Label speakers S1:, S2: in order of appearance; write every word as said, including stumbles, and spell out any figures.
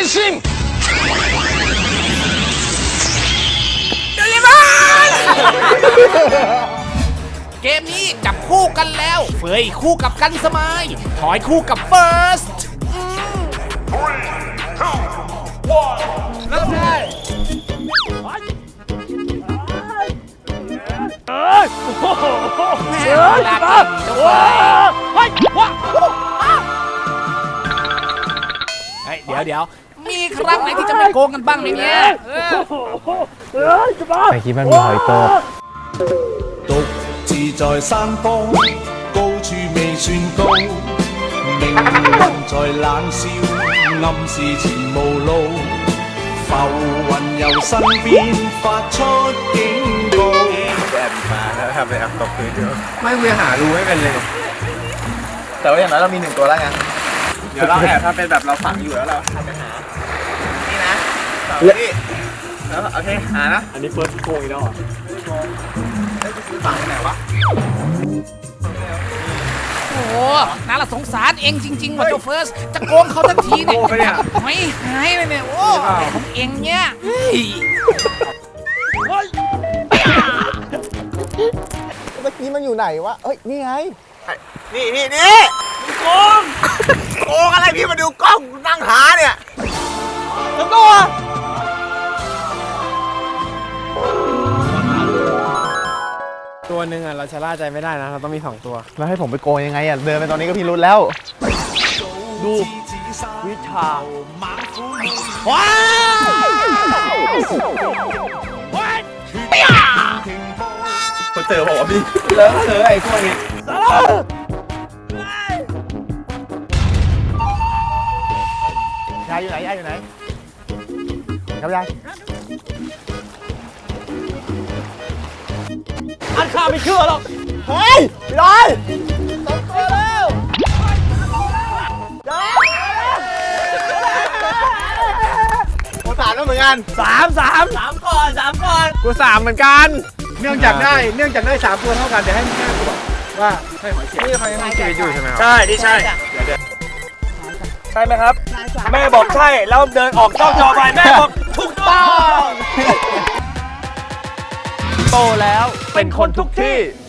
S1: 心。
S2: โดเรมอน เกมนี้จับคู่กันแล้วเฟยคู่กับกันสมายถอยคู่กับเฟิร์สเริ่มได้เอ้ยโอ้โหแม่ลากกันเจ้าเฟยเฮ้ยว้าเฮ้ยเดี๋ยวเดี๋ยวมีครั้งไหนที่จะไม่โกงกันบ้างไหมเนี่ย
S3: ไอ้คิดมันมีหอยโต
S4: 獨自在山坡，高處未算高，命運在冷笑，暗示前無路，浮雲由身邊發出警告。
S3: แอบมาแล้วทำเป็นแอบตกพื้นเยอะไม่คุยหารูไม่เป็นเลยแต่ว่าอย่างน้อยเรามีหนึ่งตัวแล้วไงเดี๋ยวเราแอบถ้าเป็นแบบเราฝังอยู่แล้วเราทำไปหานี่นะสองนี่แล้วโอเคหานะอันนี้เฟิร์สโกงอีกแล้วอ่ะฝังไหนวะ
S2: โอ้โหน่าละสงสารเองจริงๆว่ะเจ้าเฟิร์สจะโกงเขาทันทีเนี่ยไม่หายเลยเนี่ยโอ้ของเองเนี่ยเฮ้ย
S5: เมื่อกี้มันอยู่ไหนวะเอ้ยนี่ไง
S3: นี่นี่นี่โกงโกงอะไรพี่มาดูกล้องนั่งหาเนี่ยทั้งตัวตัวหนึ่งอ่ะเราชะล่าใจไม่ได้นะเราต้องมีสองตัว
S5: แล้วให้ผมไปโกงยังไงอ่ะเดินไปตอนนี้ก็พิรุธแล้ว
S3: ดูวิชา
S2: ว้าว
S3: เขาเจอบอกว่าพี่เลิกเจอไอ้พวกนี้
S5: ยายอยู่ไหนยายอยู่ไหนครับยาย
S3: อันข้าไม่เชื่อหรอก
S5: เฮ้ยพี่ลอยตกตัวแล้วกูสามแล้วเหมือนกัน
S3: สามสามสามก่อนสามก่อนกูสามเหมือนกัน
S5: เนื่องจากได้เนื่องจากได้สามตัวเท่ากันเดี๋ยวให้แม่กูบอกว่าใช่หอยเสียบ
S3: นี่เขายังมีชีวิตอยู่ใช่ไหมครับ
S1: ใช่นี่ใช่ใช่ไหมครับแม่บอกใช่แล้วเดินออกนอกจอไปแม่บอกถูกต้อง
S3: โตแล้วเป็นคนทุกที่